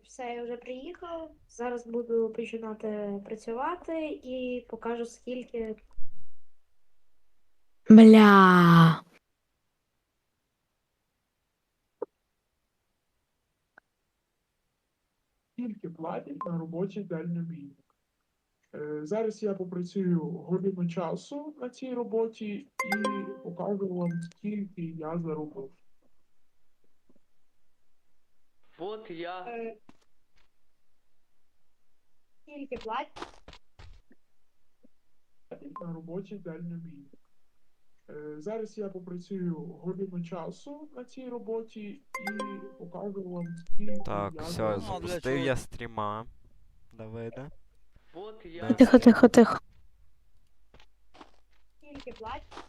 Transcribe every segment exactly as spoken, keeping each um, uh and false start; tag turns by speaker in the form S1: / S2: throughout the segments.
S1: Все, я вже приїхав. Зараз буду починати працювати і покажу, скільки.
S2: Бля.
S3: Скільки платять на робочий дальнобійник. Е, Зараз я попрацюю годину часу на цій роботі і покажу вам, скільки я заробив.
S4: Вот я.
S1: Е, Скільки платять?
S3: На робочий дальнобійник. Е, Зараз я попрацюю годину часу на цій роботі і покажу вам, скільки
S5: Так,
S3: я
S5: все,
S3: заробив.
S4: Ну, а для
S5: запустив
S4: чого?
S5: я стріма. Давиде.
S4: Вот
S5: Ми
S4: я.
S2: Тихо, тихо, тихо.
S1: Скільки платять?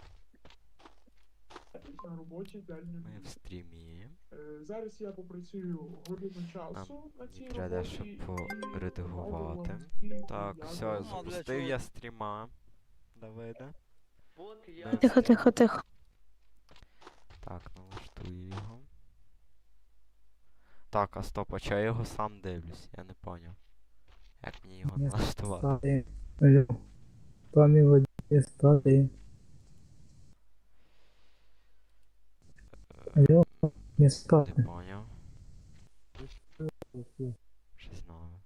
S3: На робочий
S5: Ми
S3: дальнобійник.
S5: в стрімі.
S3: Е, Зараз я попрацюю годину часу на цій
S5: Мені треба дещо
S3: роботі і покажу
S5: поредагувати.
S3: вам, скільки
S5: Так,
S3: я
S5: все,
S3: заробив.
S4: Ну, а для
S5: запустив
S4: чого?
S5: я стріма. Давиде.
S4: Вот
S5: Ми
S4: я.
S5: в
S2: Тихо,
S5: стрімі.
S2: тихо, тихо.
S5: Так, налаштую його. Так, а стоп, а чого я його сам дивлюсь? Я не поняв. Як мені його
S6: Не
S5: налаштувати?
S6: стати. Алло. Пане водій, стати. Алло, не
S5: Не
S6: стати.
S5: поняв. Щось нове.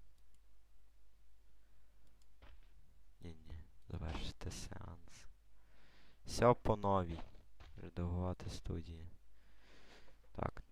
S5: Ні-ні, завершити сеанс. Все по новій. Редагувати студії. Так,